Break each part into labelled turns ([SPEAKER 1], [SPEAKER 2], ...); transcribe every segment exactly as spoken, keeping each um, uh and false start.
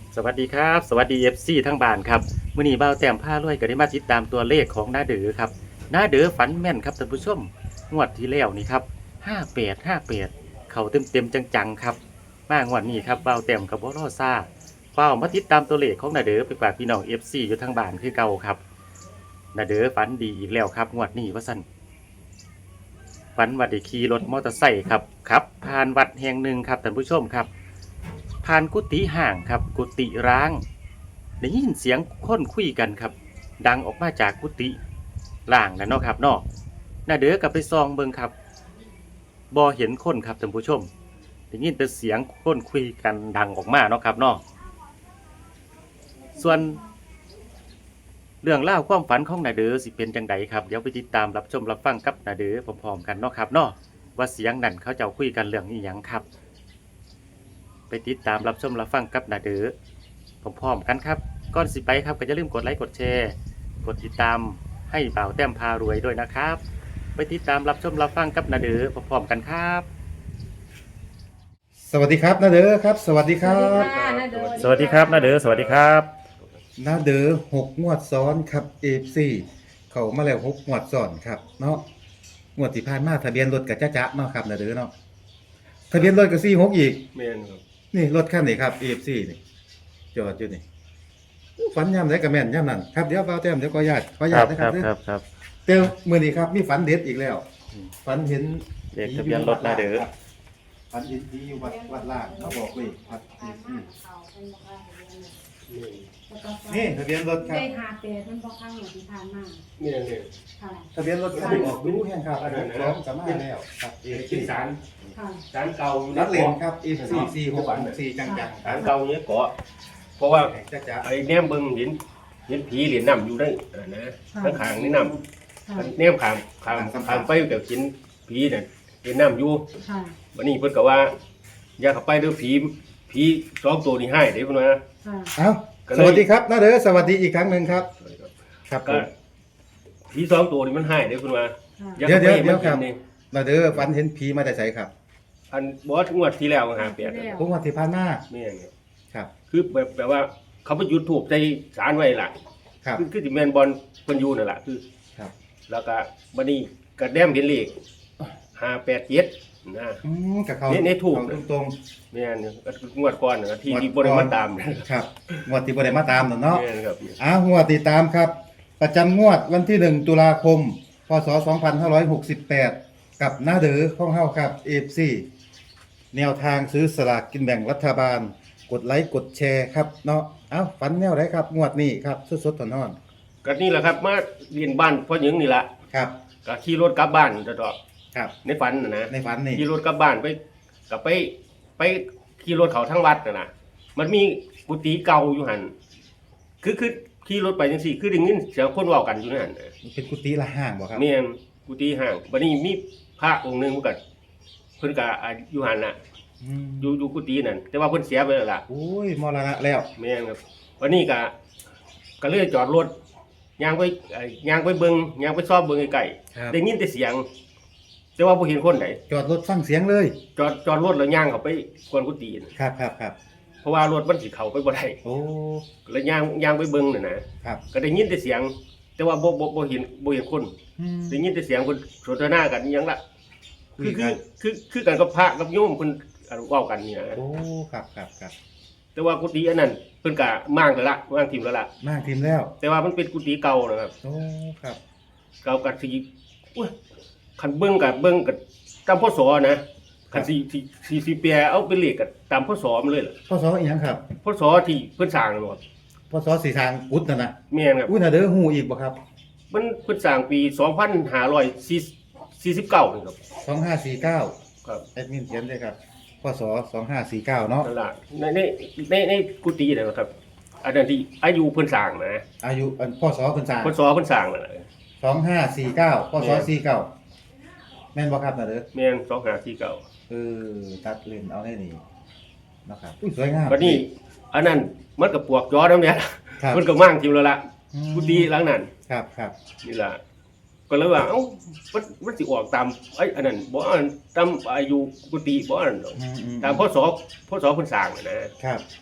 [SPEAKER 1] สวัสดีครับสวัสดี เอฟ ซี ทั้งบ้านครับมื้อนี้บ่าวแต้มพารวยก็ได้มาติดตามตัวเลขของน้าเด๋อครับน้าเด๋อฝันแม่นครับท่านผู้ชมงวดที่แล้วนี่ครับห้าแปด ห้าแปดเข้าเต็มๆจังๆครับมางวดนี้ครับบ่าวแต้มกับบ่รอซ่าเฝ้ามาติดตามตัวเลขของน้าเด๋อไปฝากพี่น้อง เอฟ ซี อยู่ทางบ้านคือเก่าครับน้าเด๋อฝันดีอีกแล้วครับงวดนี้ว่าซั่นฝันว่าได้ขี่รถมอเตอร์ไซค์ครับครับผ่านวัดแห่งหนึ่งครับท่านผู้ชมครับ ผ่านกุฏิห่างครับกุฏิร้างได้ยินเสียงคนคุยกันครับดังออกมาจากกุฏิล่างนะเนาะครับเนาะน่าเด้อกลับไปซองเบิ่งครับบ่เห็นคนครับท่านผู้ชมได้ยินแต่เสียงคนคุยกันดังออกมาเนาะครับเนาะส่วนเรื่องเล่าวความฝันของนาเดอสิเป็นจังใดครับเดี๋ยวไปติดตามรับชมรับฟังกับนาเดอพร้อมๆกันเนาะครับเนาะว่าเสียงนั่นเขาเจ้าคุยกันเรื่องนี้หยังครับไปติดตามรับชมรับฟังกับนาเดอพร้อมๆกันครับก่อนสิไปครับก็อย่าลืมกดไลค์กดแชร์กดติดตามให้บ่าวแต้มพารวยด้วยนะครับไปติดตามรับชมรับฟังกับนาเดอพร้อมๆกันครับ
[SPEAKER 2] สวัสดีครับนาเดอครับ สวัสดีครับ
[SPEAKER 1] สวัสดีครับนาเดอสวัสดีครับ
[SPEAKER 2] นาเดอหกงวดซ้อนครับเอฟซีเขามาแล้วหกงวดซ้อนครับเนาะงวดที่ผ่านมาทะเบียนรถกับจ้าจ๊ะเนาะครับนาเดอเนาะทะเบียนรถกับสี่หกอีก
[SPEAKER 3] แม่นครับ
[SPEAKER 2] นี่รถคันนี้ครับเอฟซีนี่จอดอยู่นี่ฝันย่ำไหนกับแม่นย่ำนั่นครับเดี๋ยวเฝ้าแต้มเดี๋ยวขอญาตขอญาตนะครับ
[SPEAKER 1] ครับครับ
[SPEAKER 2] เต้ามือนี้ครับมีฝันเด็ดอีกแล้วฝันเห็น
[SPEAKER 1] เลขทะเบียนรถนาเดอ
[SPEAKER 2] ฝันเห็นผีอยู่วัดวัดล่างเขาบอกเลยครับนี่ทะเบียนรถครับ
[SPEAKER 4] ได้หาเปดมันบอกข้างหลังที่ผ่านมา
[SPEAKER 3] แม่นเนี่ย
[SPEAKER 4] ค่ะ
[SPEAKER 2] ทะเบียนรถคันนี้ออกดูแห่งครับอันนั้นพร้อมสามารถแล้วครับเอ
[SPEAKER 3] เป็น
[SPEAKER 2] ฟ
[SPEAKER 3] สาร
[SPEAKER 4] ค่ะ
[SPEAKER 3] สารเก่าอยู่
[SPEAKER 2] นั
[SPEAKER 3] นะ
[SPEAKER 2] ดเลนครับเอฟซีสี่หกสี่จังจัง
[SPEAKER 3] สารเก่าเนี้ยเกาะเพราะว่า
[SPEAKER 2] จ้าจ๋า
[SPEAKER 3] ไอ้แนมเบิ่งเห็นเห็นผีเหรียญน้ำอยู่ได้เออนะข้างขางนี่น้
[SPEAKER 4] ค่ะ
[SPEAKER 3] ำแนมขางขางขางไปเดี๋ยวกินผีเนี่ยเหรียญน้ำอยู่
[SPEAKER 4] ค่ะ
[SPEAKER 3] วันนี้เพิ่นก็ว่าอย่าเข้าไปเด้อผีผีสองตัวนี้ให้เด้เพิ่นว่า
[SPEAKER 4] ค่ะ
[SPEAKER 2] เอ้าสวัสดีครับนาเด้อสวัสดีอีกครั้งหนึ่งครับครับผ
[SPEAKER 3] ก็
[SPEAKER 2] ม
[SPEAKER 3] ผีสองตัวนี้มันให้เด้เพิ่นว่า
[SPEAKER 4] ค่ะ
[SPEAKER 3] อย่าเข้าไป
[SPEAKER 2] เดี๋ยวๆๆครับ
[SPEAKER 3] มันกินนี่
[SPEAKER 2] นาเด้อฝันเห็นผีมาแต่ไสครับ
[SPEAKER 3] อันบอสงวดที่แล้วหาแปด
[SPEAKER 2] พวกวันที่ผ่านมา
[SPEAKER 3] แม่นครับ
[SPEAKER 2] ครับ
[SPEAKER 3] คือแบบแบบว่าเขาไปยุดถูกใจสารไว้ล่ะ
[SPEAKER 2] ครับ
[SPEAKER 3] คือคือสิแม่นบอลเพิ่นอยู่นั่นล่ะคือ
[SPEAKER 2] ครับ
[SPEAKER 3] แล้วก็บัดนี้ก็แนมเห็นเลขห้าแปดเจ็ดนะ
[SPEAKER 2] อืมกับเขา
[SPEAKER 3] นี่นี่ถูก
[SPEAKER 2] เขาตรง
[SPEAKER 3] แม่นก็งวดก่อนน่ะที่
[SPEAKER 2] งวด
[SPEAKER 3] ที่บ่ได้
[SPEAKER 2] ก่อ
[SPEAKER 3] มาน ตามนะ
[SPEAKER 2] ๆครับงวดที่บ่ได้มาตามนั่นเนาะ
[SPEAKER 3] แม่นครับ
[SPEAKER 2] อ่างวดติดตามครับ ประจำงวดวันที่หนึ่งตุลาคมพศสองพันห้าร้อยหกสิบแปดกับนาเดอของเฮาครับ เอฟ ซี แนวทางซื้อสลากกินแบ่งรัฐบาล กดไลค์กดแชร์ครับเนาะเอ้าฝันแนวไหนครับ งวดนี้ครับสดๆร้อน
[SPEAKER 3] ก็นี่แหละครับมาเรียนบ้านพ่อหญิงนี่ล่ะ
[SPEAKER 2] ๆครับ
[SPEAKER 3] ก็ขี่รถกลับบ้านตลอด
[SPEAKER 2] ครับ
[SPEAKER 3] ในฝันน่ะนะ
[SPEAKER 2] ในฝันนี่
[SPEAKER 3] ขี่รถกลับบ้านไปก็ไปไปขี่รถเขาทั้งวัดน่ะนะมันมีกุฏิเก่าอยู่หั่นคือคือขี่รถไปจังซี่คือได้ยินเสียงคนเว้ากันอยู่นั่นน่ะ
[SPEAKER 2] เป็นกุฏิละห้างบ่ครับ
[SPEAKER 3] แม่นกุฏิห่างบัดนี้มีพระองค์หนึงเพิ่นก็เพิ่นก็อายุหันน่ะ
[SPEAKER 2] อืม
[SPEAKER 3] อยู่อยู่กุฏินั่นแต่ว่าเพิ่นเสียไปแล้วล่ะ
[SPEAKER 2] โอ้ยมรณะแล้ว
[SPEAKER 3] แม่นครับวันนี้ก็ก็เลยจอดรถย่างไปเอ่อย่างไปเบิ่งย่างไปซอบเบิ่งไกล
[SPEAKER 2] ครับ
[SPEAKER 3] ๆได้ยินแต่เสียง แต่ว่าบ่เห็นคนใด
[SPEAKER 2] จอดรถฟังเสียงเลย
[SPEAKER 3] จอดจอดรถแล้วย่างเข้าไปกวนกุฏิน่ะ
[SPEAKER 2] ครับครับครับ
[SPEAKER 3] เพราะว่ารถมันสิเข้าไปบ่ได้
[SPEAKER 2] โอ้
[SPEAKER 3] แล้วย่างย่างไปเบิ่งน่ะนะครับ ก็ได้ยินแต่เสียง แต่ว่าบ่บ่บ่เห็นบ่เห็นคน
[SPEAKER 2] อืม
[SPEAKER 3] ได้ยินแต่เสียงเพิ่นสนทนากันอิหยังล่ะ
[SPEAKER 2] คุ
[SPEAKER 3] คื
[SPEAKER 2] ย
[SPEAKER 3] อ
[SPEAKER 2] กั
[SPEAKER 3] คือน คือคือกันกับพระกับโยมเพิ่นอันเว้ากันนี่นะ
[SPEAKER 2] โอ้ครับครับครับ
[SPEAKER 3] แต่ว่ากุฏิอันนั้นเพิ่นก็มางแล้วละมางทิ่มแล้วล่ะ
[SPEAKER 2] มากทีมแล้ว
[SPEAKER 3] แต่ว่ามันเป็นกุฏิเก่านะครับ
[SPEAKER 2] โอ้ครับ
[SPEAKER 3] เก่ากับสิอุ้ยคันเบิ่งกับเบิ่งกับตามพศนะคันสิสิสิสิแปลเอาเป็นเลขกับตามพศมันเลยล่ะ
[SPEAKER 2] พศอีหยังครับ
[SPEAKER 3] พศที่เพิ่นสร้างนั่นบ่
[SPEAKER 2] พศสีทางอุดนั่นน่ะ
[SPEAKER 3] แม่นครับ
[SPEAKER 2] อุ้ยน่าเด้อฮู้อีกบ่ครับ
[SPEAKER 3] มันเพิ่นสร้างปีสองพันห้าร้อยสี่สิบเก้านี่ครับ
[SPEAKER 2] สองห้าสี่เก้า
[SPEAKER 3] ครับ
[SPEAKER 2] แอดมินเขียนด้วยครับพศสองห้าสี่เก้าเนาะ
[SPEAKER 3] นั่นล่ะในในในในกุฏินั่นนะครับ อันนั้นที่อายุเพิ่นสร้างนะ
[SPEAKER 2] อายุอันพศเพิ่นสร้าง
[SPEAKER 3] พศเพิ่นสร้างนั่นแหละ
[SPEAKER 2] สองห้าสี่เก้าพศ
[SPEAKER 3] แม่น
[SPEAKER 2] สี่เก้าแม่นบ่ครับน่าเด้อ
[SPEAKER 3] แม่นสองห้าสี่เก้า
[SPEAKER 2] เออตัดเลนเอาให้นี่เนาะครับอุ้ยสวยงาม
[SPEAKER 3] บัดนี้อันนั้นมันก็ปวกย้อนแล้วเนี่ย
[SPEAKER 2] ครับ
[SPEAKER 3] มันก็มั่งทิ่มแล้วล่ะ
[SPEAKER 2] อืม
[SPEAKER 3] กุฏิหลังนั้น
[SPEAKER 2] ครับครับ
[SPEAKER 3] นี่ล่ะก็เลยว่าเอ้ามันมันสิออกตามไอ้อันนั้นบ่อันตามอายุกุฏิบ่อันดอก
[SPEAKER 2] อืมอืม
[SPEAKER 3] ตามพศพศเพิ่นสร้างน่ะนะครับ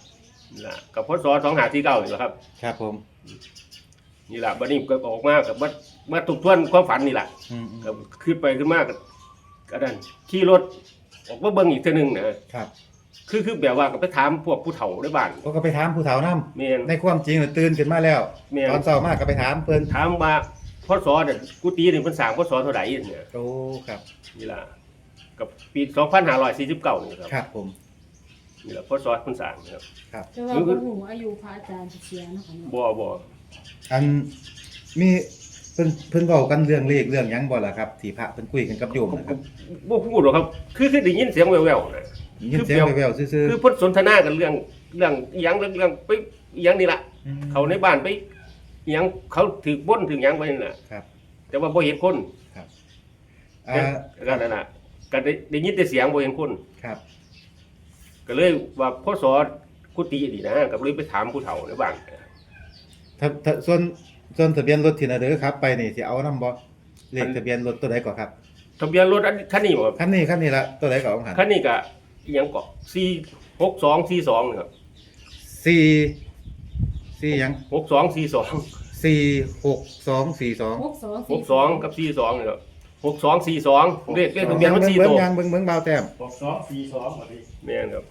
[SPEAKER 3] นี่ล่ะกับพศสองห้าสี่เก้านี่แหละครับ
[SPEAKER 2] ครับผม
[SPEAKER 3] นี่ล่ะบัดนี้ก็ออกมากับมามาทบทวนความฝันนี่ล่ะ
[SPEAKER 2] อืม
[SPEAKER 3] ก็ขึ้นไปขึ้นมาก็ก็นั่นขี่รถออกมาเบิ่งอีกเทื่อนึงนะครับ คือคือแบบว่าก็ไปถามพวกผู้เฒ่าในบ้าน
[SPEAKER 2] ก็ไปถามผู้เฒ่านำ
[SPEAKER 3] แม่น
[SPEAKER 2] ในความจริงน่ะตื่นขึ้นมาแล้ว
[SPEAKER 3] แม่น
[SPEAKER 2] ตอนเช้ามาก็ไปถามเพิ่น
[SPEAKER 3] ถามว่าพศเนี่ยกุฏินี่เพิ่นสร้างพศเท่าใดเนี่ย
[SPEAKER 2] โอ้ครับ
[SPEAKER 3] นี่ล่ะกับปีสองพันห้าร้อยสี่สิบเก้านี่ครับ
[SPEAKER 2] ครับผม
[SPEAKER 3] นี่ล่ะพศเพิ่นสร้างนะครับ
[SPEAKER 2] ครับ
[SPEAKER 4] แต่ว่าบ่ฮู้อายุพระอาจารย์สิเสียเนาะค่ะเนาะ
[SPEAKER 3] บ่บ่
[SPEAKER 2] อันมีเพิ่นเพิ่นเว้ากันเรื่องเลขเรื่องหยังบ่ล่ะครับที่พระเพิ่นคุยกันกับโยมนะครับ
[SPEAKER 3] บ่ฮู้หรอกครับ คือคือได้ยินเสียงแว่วๆนะ
[SPEAKER 2] ยินเสียงแว่วๆซื่อ
[SPEAKER 3] คือเพิ่นสนทนากันเรื่องเรื่องอีหยังเรื่องเรื่องไปอีหยังนี่ล่ะ
[SPEAKER 2] ๆอืม
[SPEAKER 3] เขาในบ้านไปอีหยังเขาถือบ่นถือหยังไว้นี่น่ะ
[SPEAKER 2] ครับ
[SPEAKER 3] แต่ว่าบ่เห็นคน
[SPEAKER 2] อ่า
[SPEAKER 3] ก็นั่นน่ะก็ได้ได้ยินแต่เสียงบ่เห็นคน
[SPEAKER 2] ครับ
[SPEAKER 3] ก็เลยว่าพศกุฏินี่นะก็เลยไปถามผู้เฒ่าในบ้าน
[SPEAKER 2] ถ้าถ้าส่วนส่วนทะเบียนรถที่น่ะเด้อครับไปนี่สิเอานำบ่เลขทะเบียนรถตัวใดก่อนครับ
[SPEAKER 3] ทะเบียนรถอันคันนี้บ่ครับ
[SPEAKER 2] คันนี้คันนี้ละตัวใดก่อนของหัน
[SPEAKER 3] คันนี้ก็อีหยังก็สี่หกสองสี่สองนี่ครับ
[SPEAKER 2] สี่สี่หยัง
[SPEAKER 3] หกสองสี่สอง
[SPEAKER 2] สี่หกสองสี่สอง
[SPEAKER 4] หกสอง
[SPEAKER 3] หกสองกับสี่สองนี่ครับหกสองสี่สองเลขเลขทะเบียนมันสี่
[SPEAKER 2] เบิ่
[SPEAKER 3] ตั
[SPEAKER 2] ง
[SPEAKER 3] ว
[SPEAKER 2] ยางเบิ่งเบิ่งเบาแต้ม
[SPEAKER 1] หกสองสี่สองครับพี่
[SPEAKER 3] แม่นครับ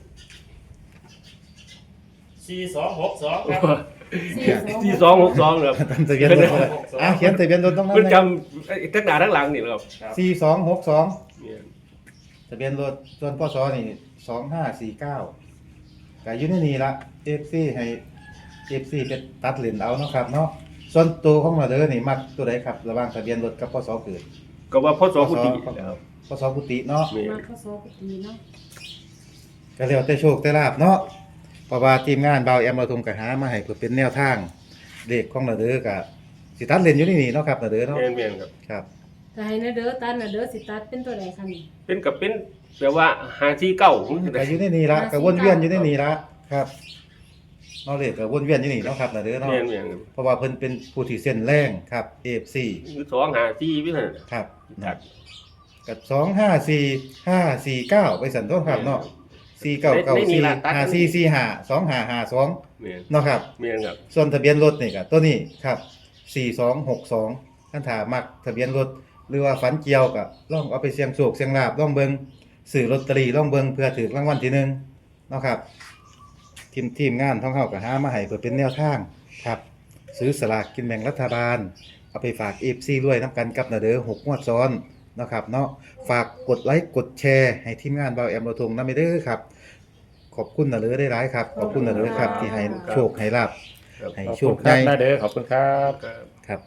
[SPEAKER 1] สี่สองหกสองครับ
[SPEAKER 3] สี่สองหกสองครับ
[SPEAKER 2] ตามทะเบียนรถอ่ะเขียนทะเบียนรถตรงนั้น
[SPEAKER 3] เพิ่น
[SPEAKER 2] นะ
[SPEAKER 3] จำไอ้ทั้งหน้าทั้งหลังนี่แหละครับ
[SPEAKER 2] สี่สองหกสอง
[SPEAKER 3] แม่น
[SPEAKER 2] ทะเบียนรถส่วนพศนี่สองห้าสี่เก้าก็อยู่ในนี่ละ เอฟ ซี ให้ เอฟ ซี ไปตัดเหรียญเอาเนาะครับเนาะส่วนตัวของเราเด้อนี่มักตัวใดครับระหว่างทะเบียนรถกับพศเกิด
[SPEAKER 3] ก็ว่าพศกุฏินะครับ
[SPEAKER 2] พศกุฏิเนาะ
[SPEAKER 3] แม่น
[SPEAKER 4] มาเข้าโซกุฏิเนาะ
[SPEAKER 2] ก็แล้วแต่โชคแต่ลาภเนาะเพราะว่าทีมงานเบาแอมเราทงกะหามาให้เพื่อเป็นแนวทางเลขของเราเด้อก็สิตัดเหรียญอยู่ในนี่เนาะครับเราเด้อเนาะ
[SPEAKER 3] แม่นแม่นครับ
[SPEAKER 2] ครับ
[SPEAKER 4] แต่ให้นะเด้อตัดนะเด้อสิตัดเป็นตัวใดคะนี่
[SPEAKER 3] เป็นกับเป็นแบบว่าหาที่เก้า
[SPEAKER 2] ก็อยู่ในนี่ละก็วนเวียนอยู่ในนี่ละครับเนาะเลขก็วนเวียนอยู่นี่เนาะครับเราเด้อเนาะ
[SPEAKER 3] แม่นแม่นครับ
[SPEAKER 2] เพราะว่าเพิ่นเป็นผู้ที่เส้นแรงครับ เอฟ ซี
[SPEAKER 3] คือสองหาที่วิเศษ
[SPEAKER 2] ครับ
[SPEAKER 3] ครับ
[SPEAKER 2] กับสองห้าสี่ห้าสี่เก้าไปสันต้นครับเนาะสี่เก้าเก้าสี่ห้าสี่สี่ห้าสองห้าห้าสอง
[SPEAKER 3] แม่น
[SPEAKER 2] เนาะครับ
[SPEAKER 3] แม่นครับ
[SPEAKER 2] ส่วนทะเบียนรถนี่ก็ตัวนี้ครับสี่สองหกสองท่านถามักทะเบียนรถหรือว่าฝันเกี่ยวก็ลองเอาไปเสี่ยงโชคเสี่ยงลาบลองเบิ่งซื้อลอตเตอรี่ลองเบิ่งเพื่อถูกรางวัลที่หนึ่งเนาะครับทีมทีมงานท่องเฮาก็หามาให้เพื่อเป็นแนวทางครับซื้อสลากกินแบ่งรัฐบาลเอาไปฝาก เอฟ ซี ด้วยนํกันกับนาเด้อหกงวดซ้อนเนาะครับเนาะฝากกดไลค์กดแชร์ให้ทีมงานเบาแอมเราทงนำเด้อครับขอบคุณนาเด้อได้หลายครับขอบคุณนาเด้อครับที่ให้โชคให้ลาบ
[SPEAKER 3] ครับ
[SPEAKER 2] ให้
[SPEAKER 1] ขอบ
[SPEAKER 2] โช
[SPEAKER 1] คุ
[SPEAKER 2] ค
[SPEAKER 1] ณครั
[SPEAKER 2] ให้
[SPEAKER 1] บน้าเด้อขอบคุณครับ
[SPEAKER 3] ครับ
[SPEAKER 2] ครับ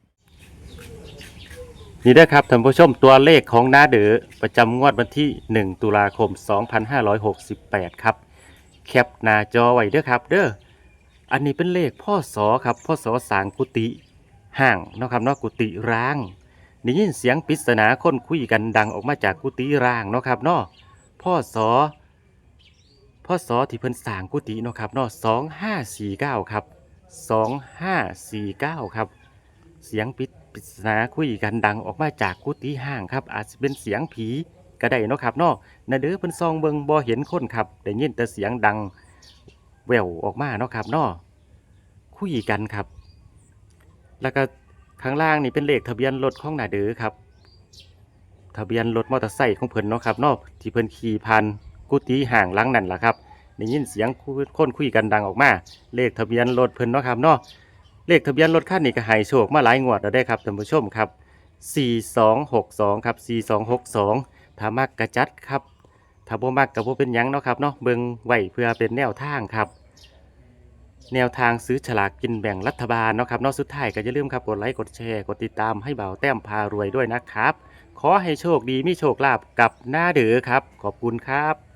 [SPEAKER 1] นี่เด้อครับท่านผู้ชมตัวเลขของน้าเด้อประจำงวดวันที่หนึ่งตุลาคมสองพันห้าร้อยหกสิบแปดครับแคปหน้าจอไว้เด้อครับเด้ออันนี้เป็นเลขพ่อสอครับพ่อสอสร้างกุฏิห้างเนาะครับเนาะกุฏิร้างได้ยินเสียงปริศนาคนคุยกันดังออกมาจากกุฏิร้างเนาะครับเนาะพ่อสอพ่อสอที่เพิ่นสร้างกุฏิเนาะครับเนาะสองห้าสี่เก้าครับสองห้าสี่เก้าครับเสียงปิดปริศนาคุยกันดังออกมาจากกุฏิห้างครับอาจจะเป็นเสียงผีก็ได้เนาะครับเนาะนาเด้อเพิ่นซองเบิงบ่เห็นคนครับได้ยินแต่เสียงดังแววออกมาเนาะครับเนาะคุยกันครับ แล้วก็ข้างล่างนี่เป็นเลขทะเบียนรถของนาเด้อครับทะเบียนรถมอเตอร์ไซค์ของเพิ่นเนาะครับเนาะที่เพิ่นขี่ผ่านกุฏิห่างหลังนั่นล่ะครับได้ยินเสียงคนคุยกันดังออกมาเลขทะเบียนรถเพิ่นเนาะครับเนาะเลขทะเบียนรถคันนี้ก็ให้โชคมาหลายงวดแล้วได้ครับท่านผู้ชมครับสี่สองหกสองครับสี่สองหกสองถ้ามักกระจัดครับถ้าบ่มักก็บ่เป็นหยังเนาะครับเนาะเบิ่งไว้เพื่อเป็นแนวทางครับแนวทางซื้อฉลากกินแบ่งรัฐบาลเนาะครับเนาะสุดท้ายก็อย่าลืมครับกดไลค์กดแชร์กดติดตามให้เบาแต้มพารวยด้วยนะครับขอให้โชคดีมีโชคลาภกับหน้าเด้อครับขอบคุณครับ